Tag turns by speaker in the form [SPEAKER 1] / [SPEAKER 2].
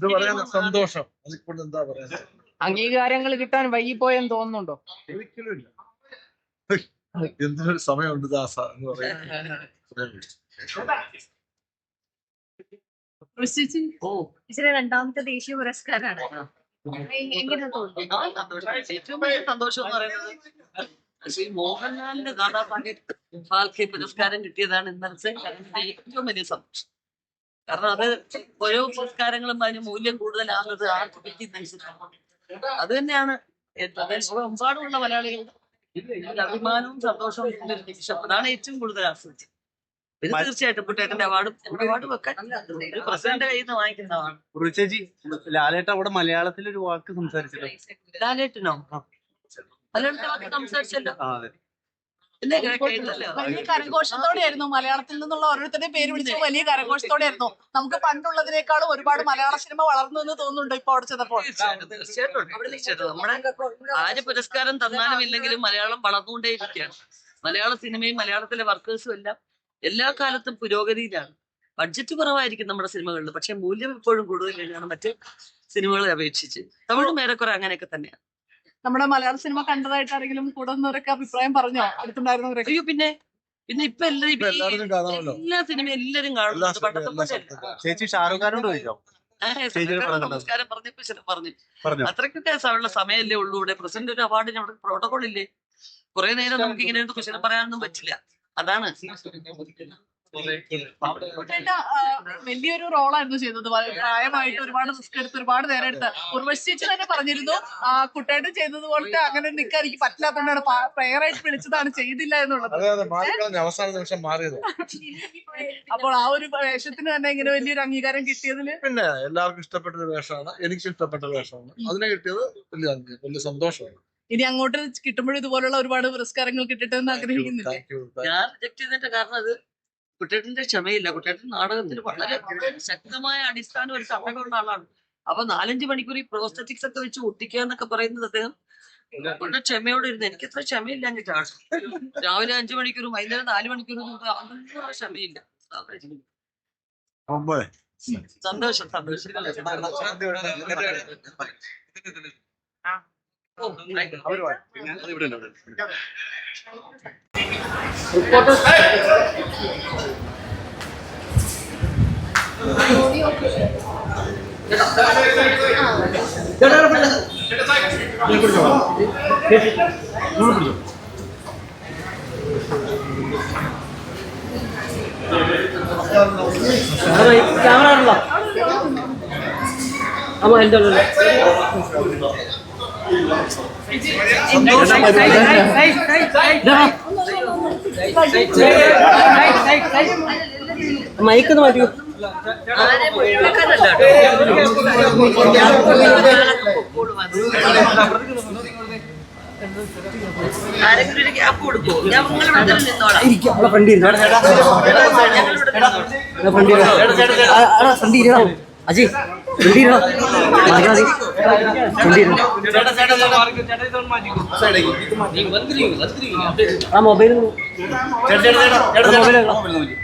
[SPEAKER 1] സന്തോഷം. അതിപ്പോൾ എന്താ പറയാ,
[SPEAKER 2] അംഗീകാരങ്ങൾ കിട്ടാൻ വൈകിപ്പോയെന്ന് തോന്നുന്നുണ്ടോ?
[SPEAKER 1] ഒരിക്കലും ഇല്ല. എന്തിനൊരു സമയമുണ്ട് ദാസ എന്ന് പറയുന്നത്.
[SPEAKER 3] രണ്ടാമത്തെ ദേശീയ പുരസ്കാരമാണ്. എങ്ങനെ തോന്നുന്നു?
[SPEAKER 4] ഏറ്റവും വലിയ സന്തോഷം എന്ന് പറയുന്നത് ശ്രീ മോഹൻലാലിന്റെ ദാദാസാഹേബ് ഫാൽക്കെ പുരസ്കാരം കിട്ടിയതാണ് ഇന്നലത്തെ ഏറ്റവും വലിയ സന്തോഷം. കാരണം അത് ഓരോ പുരസ്കാരങ്ങളും അതിന് മൂല്യം കൂടുതലാകുന്നത് ആർക്ക് പറ്റിയെന്നനുസരിച്ചാണ്. അത് തന്നെയാണ് ലോകമെമ്പാടുമുള്ള മലയാളികളുടെ അഭിമാനവും സന്തോഷവും നിമിഷം. അതാണ് ഏറ്റവും കൂടുതൽ ആസ്വദിച്ചത്. ഇത് തീർച്ചയായിട്ടും കുട്ടേട്ടന്റെ അവാർഡ് വെക്കാൻ ഒരു പ്രസിഡന്റ് കയ്യിൽ നിന്ന് വാങ്ങിക്കുന്നതാണ്.
[SPEAKER 5] ചേച്ചി, ലാലേട്ട അവിടെ മലയാളത്തിൽ ഒരു വാക്ക് സംസാരിച്ചല്ലോ.
[SPEAKER 4] ലാലേട്ടനോ? മലയാളത്തിൽ വാക്ക് സംസാരിച്ചല്ലോ. പിന്നെ
[SPEAKER 6] വലിയ കരഘോഷത്തോടെയായിരുന്നു മലയാളത്തിൽ നിന്നുള്ള ഓരോരുത്തരുടെയും പേര് വിളിച്ച് വലിയ കരഘോഷത്തോടെയായിരുന്നു. നമുക്ക് പണ്ടുള്ളതിനേക്കാളും ഒരുപാട് മലയാള സിനിമ വളർന്നു എന്ന് തോന്നുന്നുണ്ടോ ഇപ്പൊ അവിടെ ചെന്നപ്പോൾ?
[SPEAKER 4] തീർച്ചയായിട്ടും നമ്മുടെ ആര് പുരസ്കാരം തന്നാലും ഇല്ലെങ്കിലും മലയാളം വളർന്നുകൊണ്ടേയിരിക്കുകയാണ്. മലയാള സിനിമയും മലയാളത്തിലെ വർക്കേഴ്സും എല്ലാം എല്ലാ കാലത്തും പുരോഗതിയിലാണ്. ബഡ്ജറ്റ് കുറവായിരിക്കും നമ്മുടെ സിനിമകളിൽ, പക്ഷെ മൂല്യം എപ്പോഴും കൂടുതൽ തന്നെയാണ് മറ്റ് സിനിമകളെ അപേക്ഷിച്ച്. തമിഴും ഏറെക്കുറെ അങ്ങനെയൊക്കെ തന്നെയാണ്.
[SPEAKER 6] നമ്മുടെ മലയാള സിനിമ കണ്ടതായിട്ട് ആരെങ്കിലും കൂടുന്നവരൊക്കെ അഭിപ്രായം പറഞ്ഞോ? അടുത്തുണ്ടായിരുന്നവരൊക്കെ?
[SPEAKER 4] അയ്യോ, പിന്നെ ഇപ്പൊ എല്ലാ സിനിമയും എല്ലാരും കാണുന്നുണ്ട്. പണ്ടത്തെ പോലെ
[SPEAKER 5] ചേച്ചി ഷാരൂഖ് ഖാനോട് ചോദിച്ചോ?
[SPEAKER 4] നമസ്കാരം പറഞ്ഞപ്പോ പറഞ്ഞു അത്രയ്ക്കൊക്കെ ഉള്ള സമയമല്ലേ ഉള്ളൂ. ഇവിടെ പ്രസിഡന്റ് ഒരു അവാർഡിന് അവിടെ പ്രോട്ടോകോൾ ഇല്ലേ? കുറെ നേരം നമുക്ക് ഇങ്ങനെ ക്വസ്റ്റ്യൻ പറയാനൊന്നും പറ്റില്ല. അതാണ്
[SPEAKER 6] വലിയൊരു റോളായിരുന്നു ചെയ്തത്. പ്രായമായിട്ട് ഒരുപാട് റിസ്ക് എടുത്ത് ഒരുപാട് നേരം എടുത്ത് ഉർവശി ചേച്ചി തന്നെ പറഞ്ഞിരുന്നു കുട്ടേട്ടൻ ചെയ്തത് പോലത്തെ അങ്ങനെ നിൽക്കാൻ എനിക്ക് പറ്റില്ലാത്തതുകൊണ്ടാണ് പ്രേയറായിട്ട് വിളിച്ചതാണ്, ചെയ്തില്ല എന്നുള്ളത്.
[SPEAKER 1] അവസാന നിമിഷം മാറിയത്.
[SPEAKER 6] അപ്പോൾ ആ ഒരു വേഷത്തിന് തന്നെ ഇങ്ങനെ വലിയൊരു അംഗീകാരം കിട്ടിയതില്
[SPEAKER 1] പിന്നെ എല്ലാവർക്കും ഇഷ്ടപ്പെട്ട ഒരു വേഷമാണ്, എനിക്ക് ഇഷ്ടപ്പെട്ട വേഷമാണ്. അതിനെ കിട്ടിയത് വലിയ സന്തോഷമാണ്.
[SPEAKER 6] ഇനി അങ്ങോട്ട് കിട്ടുമ്പോഴും ഇതുപോലുള്ള ഒരുപാട് പുരസ്കാരങ്ങൾ കിട്ടട്ടെ എന്ന് ആഗ്രഹിക്കുന്നില്ല.
[SPEAKER 4] ഞാൻ റിജക്ട് ചെയ്തതിന്റെ കാരണം അത് കുട്ടേട്ടന്റെ ക്ഷമയില്ല. കുട്ടേട്ടൻ നാടകത്തിൽ വളരെ ശക്തമായ അടിസ്ഥാനം ഒരു സമയമുള്ള ആളാണ്. അപ്പൊ 4-5 മണിക്കൂർ ഈ പ്രോസ്തറ്റിക്സ് ഒക്കെ വെച്ച് ഒട്ടിക്കുക എന്നൊക്കെ പറയുന്നത് അദ്ദേഹം വളരെ ക്ഷമയോടെ ഇരുന്ന്. എനിക്ക് അത്ര ക്ഷമയില്ല. എന്നിട്ടാണ് രാവിലെ 5 മണിക്കൂറും വൈകുന്നേരം 4 മണിക്കൂറും അതൊന്നും ക്ഷമയില്ല. സന്തോഷം
[SPEAKER 2] ക്യാമറ അമ്മ എന്തോ മയക്കൊന്ന് മാറ്റിയോ?
[SPEAKER 4] ആരെങ്കിലും ഒരു ഗ്യാപ്പ് കൊടുക്കോ? ഞാൻ
[SPEAKER 2] അജയ് ആ മൊബൈൽ